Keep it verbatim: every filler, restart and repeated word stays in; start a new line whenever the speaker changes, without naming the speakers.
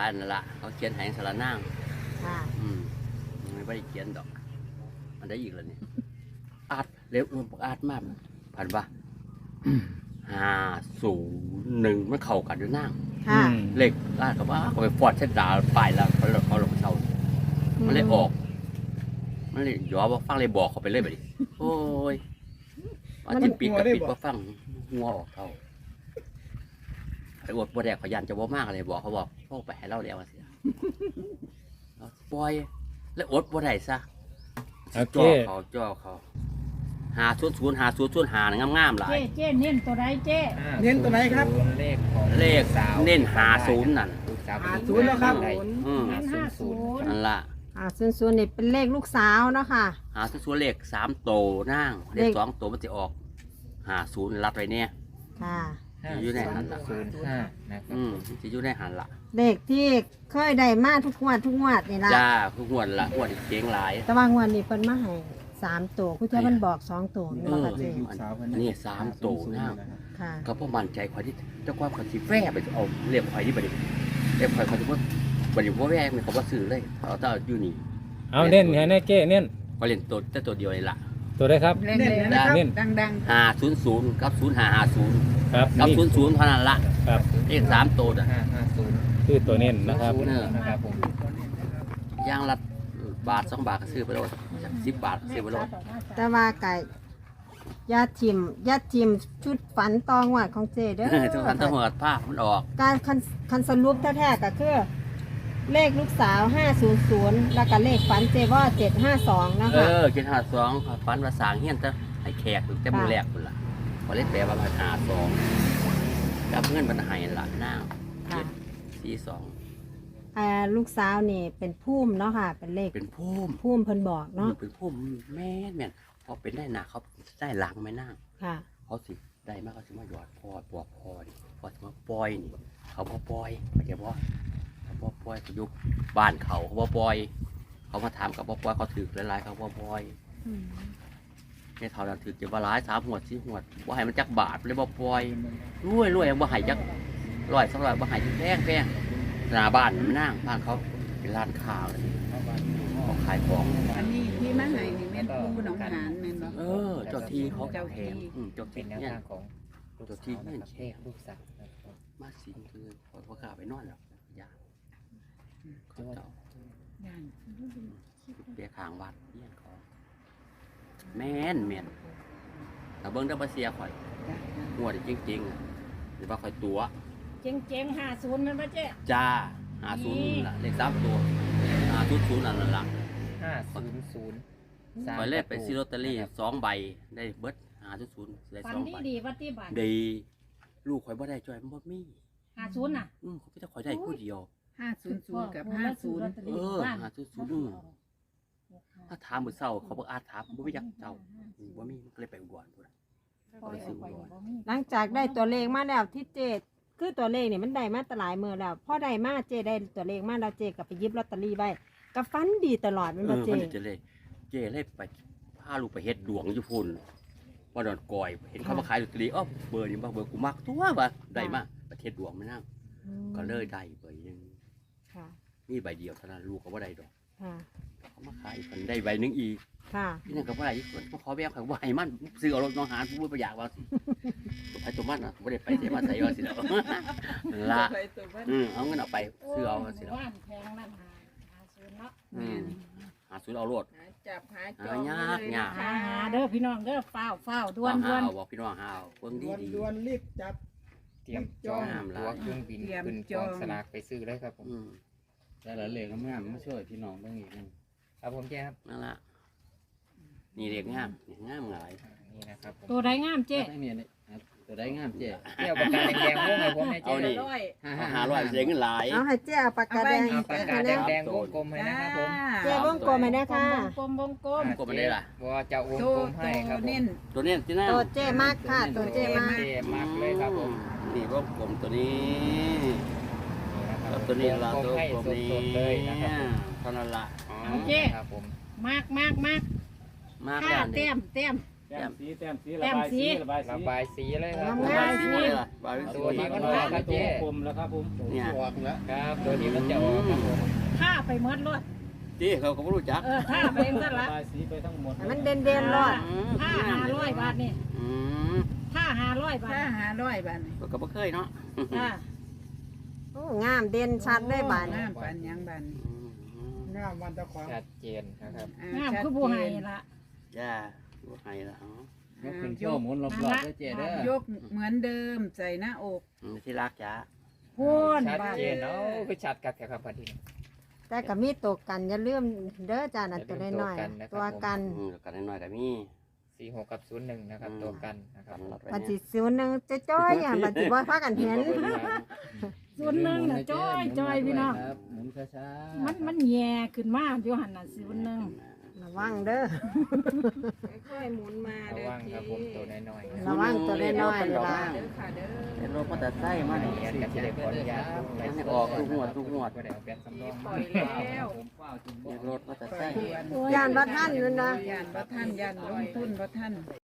ายนั่นละเขาเขียนแหงสารนางอืมไม่ได้เขียนดอกมันได้อีกแล้วนี่อาดเร็วมันอาดมากผ่านปะห้าศูนย์หนึ่งมันเข้ากันด้วยนางเลขอาดกับว่าเขาไปฟอดเส้นดาวไปแล้วเขาเขาลงเช่ามันเลยออกมันเลยย้อนว่าฟังเลยบอกเขาไปเลยแบบนี้โอ้ยว่าจิตปิดกับปิดว่าฟังหัวออกเท่าไอ้อวดบัวแดกขยันจะว่ามากเลยบอกเขาบอกพวกไปให้เล่าแล้วสิปล่อยแล้วอดบัวได้ซะจ่อเขาจ่อเขาหาชุดศูนย์หาชุดชุดหางามงามหลาย
เจ๊เจ๊เน้นตัวไหนเจ๊
เน้นตัวไหนครับ
เลขของเลขเน้นหาศูนย์นั่น
หาศูนย์แล้วครับ
เน้นห้าศูนย์
นั่นละ
หาศูนย์ศูนย์นี่เป็นเลขลูกสาวเนาะค่ะ
หาศูนย์ศูนย์เลขสามโตนั่งเลขสองโตมันจะออกหาศูนย์รัดไว้เนี่ย
ค่ะ
อยู่ในหันละ
ศูนย์ห้านะครับ
อืมจะอยู่ในหันละ
เลขที่เคยได้มาทุกงวดทุกงวดนี่ละ
จ้าทุกงวดละงวดเก่งหลาย
แต่ว่างวดนี้เพิ่นมาให้สามตัวคุณเจ้ามันบอกสองตัวนี่ละเจ๊
นี่สามโตนั่งก็เพราะมั่นใจควายที่เจ้าความขันสีแว่ไปเอาเรียกควายที่บัดนี้เรียกควายเขาจะว่าบัดนี้ว่าแว่เนี่ยเขาว่าซื้อเลยเอาแต่อยู่นี่
เอาเน้นแน่เจ๊เน้น
เขาเล่นตัวแต่ตัวเดียวเลยล่ะ
ตัวได้ครับ
เน้นเน้นดัง
ๆห้าศูนย์ศูนย์กับศูนย์ห้าห้าศูนย์
ครับ
กับศูนย์ศูนย์เท่านั้นละ
ครับ
เลขสามตัวอ่ะ
ห้าห้าศูนย์
คือตัวเน้นนะครับ
นะครับผม
ย่างละบาทสองบาทก็ซื้อไปแล้วสิบบาทซื้อไปแล้ว
แต่ว่าไก่ยาทิมยาทิมชุดฝันตองวัดของเจเด้อ
ทุกท่านต้องหัวผ้ามันออก
การคันคันสรุปแท้ๆก็คือเลขลูกสาวห้าศูนย์ศูนย์แล้วก็เลขฝันเจว่าเจ็ดห้าสองนะคะ
เออเจ็ดห้าสองฝันภาษาเฮียนจะให้แขกแต่มือแรกคนละพอเล่นแปลว่าภาษาสองกับเพื่อนบรรหายละหน้าเจ็ดสี่สอง
อ่าลูกสาวนี่เป็นพุ่มเนาะค่ะเป็นเลข
เป็นพุ่ม
พุ่มเพิ่นบอกเนาะ
เป็นพุ่มแม่แม่พอเป็นได้หนาเขาได้หลังไม่น่า
ค่ะ
เขาสิได้มากเขาสิมาหยอดพอปวดพอนี่พอสิมาปล่อยนี่เขาพอปล่อยเขาจะว่าเขาพอปล่อยเขายุบบ้านเขาเขาพอปล่อยเขามาถามกับพอปล่อยเขาถือหลายๆเขาพอปล่อยแค่เท่านั้นถือจะว่าร้ายสามหัวสี่หัวว่าให้มันจักบาทเลยบ่ปล่อยรวยรวยว่าให้จักร้อยสักร้อยว่าให้แพงแพงหน้าบ้านมันนั่งบ้านเขาเป็นร้านข้าวเลยเขาขายของ
อันนี้ที่มาให้นี่แม่นผู้หนองหานแม่นบ่
เออเจ้าที่เขาเจ้าแถมเจ้าที่
เป็นแนวทางของ
เจ้าที่เนี่ยแค่
ลูกสาว
มาสิงคือพอกล้าไปนอนแล้วยาเขาเจ้าเปียขางวัดเยี่ยนเขาแม่นแม่นแต่เบิ้งได้มาเสียข่อยงวดจริงๆหรือว่าข่อยตัว
เจ๊งเจ๊งห้าศูนย์มันป่ะเจ๊
จ้าห้าศูนย์ละเลขสามตัวห้าศูนย์ศูนย์นั่นละ
ห้าศูนย์ศูนย์
ข่อยเล่นไปซื้อลอตเตอรี่สองใบได้เบิดห้าศูนย์ศูนย์ได้สองใบ
ดีวัดที่บ้าน
ดีลูกข่อยบ่ได้จอยมันบ่มี
ห้าศูนย์น่ะ
อืมเขาจะข่อยได้ผู้เดียว
ห้าศูนย์ศูนย์กับห้าศูนย์
เออห้าศูนย์ศูนย์ถ้าถามมื้อเช้าเขาบอกอาถามบ่มีจักเจ้าบ่มีมันก็เลยไปอุบลพุ่น
หลังจากได้ตัวเลขมาแล้วที่เจคือตัวเลขนี่มันได้มาตหลายมื้อแล้วพอได้มาเจได้ตัวเลขมาแล้วเจก็ไปหยิบลอตเตอรี่ไว้ก็ฟันดีตลอดมันบ่เจ
เจเลยเจเลยไปพาลูกไปเฮ็ดดวงอยู่พุ่นว่าดอนกอยเห็นเขามาขายลอตเตอรี่อ้อเบอร์นี้บ่เบอร์กูมักตัวว่าได้มาประเทศดวงมานั่งก็เลยได้ใบนึงค่ะมีใบเดียวเท่านั้นลูกก็บ่ได้ดอกค่ะเขามาขายกันได้ใบนึงอีกค่ะพี่นั่นก็บ่ได้อีกคนมาขอแบ่งเขาบ่ให้มันซื้อเอารถน้องหานผู้บ่อยากว่าไปตัวมันน่ะบ่ได้ไปเสียมาใส่ว่าสิแล้วละอือเอาเงินเอาไปซื้อเอาสิแล้ว
บ้านแพงนั่นหาหาศูนย์เนาะ
อืมหาศูนย์เอารถ
จับหาจ
องยากยาก
หาเด้อพี่น้องเด้อฟ้าวฟ้าวด่วนด่วน
บอกพี่น้องหาเอาเบิ่งดีดี
ด่วนรีบจับเตรียมจองตัวเครื่องบินขึ้นจองสลากไปซื้อได้ครับผม
แต่ละเลขงามมาช่วยพี่น้องเบิ่งอีกนึง
ครับผมแจ้ครับ
นั่นละนี่เลขงามงามหลาย
นี่นะครับ
ตัวใดงามเจ๊
ตัวได้งามเจ๊
เที่ยวปากกาแดงๆวงให้ผมให้เจ๊
เอานี่ห้าร้อยเสียเงินหลาย
เอาให้เจ๊เอาปากกาแดง
ปากกาแดงๆวงกลมให้นะครับผม
เจ๊วงกลมให้นะค่ะ
วงกลมวงกลม
กลมได้ล่ะ
ว่าจะวงกลมให้ครับผม
ตัวนี้ที่นั่น
ตัวเจ๊มากค่ะตัวเจ๊มาก
เจ๊มากเลยครับผม
นี่วงกลมตัวนี้ตัวนี้เราตัวกลมนี้เท่านั้นละ
เจ๊ครับผมมากมากมาก
มาก
แล้วเต็มเต็ม
แแต้มสีแต้มสี
แต้
ระ
ม
บาย
สี
สีระบาย
ระ
สี
บายสีเลยครับ
งาม
บายสีหมดเลยล่ะบายสี
ตัวนี้มัน
ตัว
ออกครับ
ตั
เจ๊
วกลมแล้วครับผม
เนี่ย
ออกแล้ว
ครับ ตัวนี้มันจะออกครับผม
ท่าไปเมดรถ
ที่เขาก็ไม่รู้จัก
เออท่าไปเองซะ
ระ
ละ
บายสีไปทั้งหมด
ให้มันเด่นเด่นๆรอด
อืม
ท่าห้าร้อยบาทนี่
อืม
ท่าห้าร้อยบาท
ถ้าหาร้อยบาทนี่
ก็บ่เคยเนาะ
อ่า
โอ้งามเด่นชัดได้บาน
งามปานหยังบาทนี่
อืม
งามวันตะควาง
ชัดเจนนะครับ
อ่
งาม
ชัด
คือบัวไห้
เจน
ละ
ย่าบ่ให้ละอ๋อย
กขึ้นโชว์หมุนรอบๆด้วยเจ๊เด้อย
กเหมือนเดิมใส่หน้าอก
อืมที่รักจ้า
พูน
ชัด
บาท
เจนเนาะคือชัดกับแค่ครับพอดี
แต่ก็มีตัวกันอย่าลืมเด้อจ้านั่นตัวน้อยๆตัวกัน
อืมกันน้อยๆก็มี
สี่หกกับศูนย์หนึ่งนะครับ ตัวกันนะครับ
กันรัดไว้
ปัจจิ
เนี่ย
สิวหนึงจะจ้อยอย่างปัจจิบ่พากันเห็น
ส่วนหนึ่งน่ะจ้อยจ้อยพี่น้อง
ครับหมุนช้าๆ
มันมันแย่ขึ้นมาอยู่หันน่ะส่วนหนึ่ง
ระวังเด้อ
ค่อยๆหมุนมา
ระ
เด้อ
วังครับผมตัวน้อยๆนะ
ระวังตัวน้อยๆเวลา
เด้อค่ะเด้อ
เป็นรถมอเตอร์ไซค์มาเนี่ย
เรียนกับที่ได้ขออนุญาตไป
ให้ออกทุกงวดทุกงวด
ก็ได้เอาแบตสำรอง
ปล่อยแล้ว
ผมเฝ้าจุดบ่
เป็นรถมอเตอร์ไซค์
ย่านบ่ทันนั่นนะ
ยานบ่ท่านยานลงทุนบ่ท่าน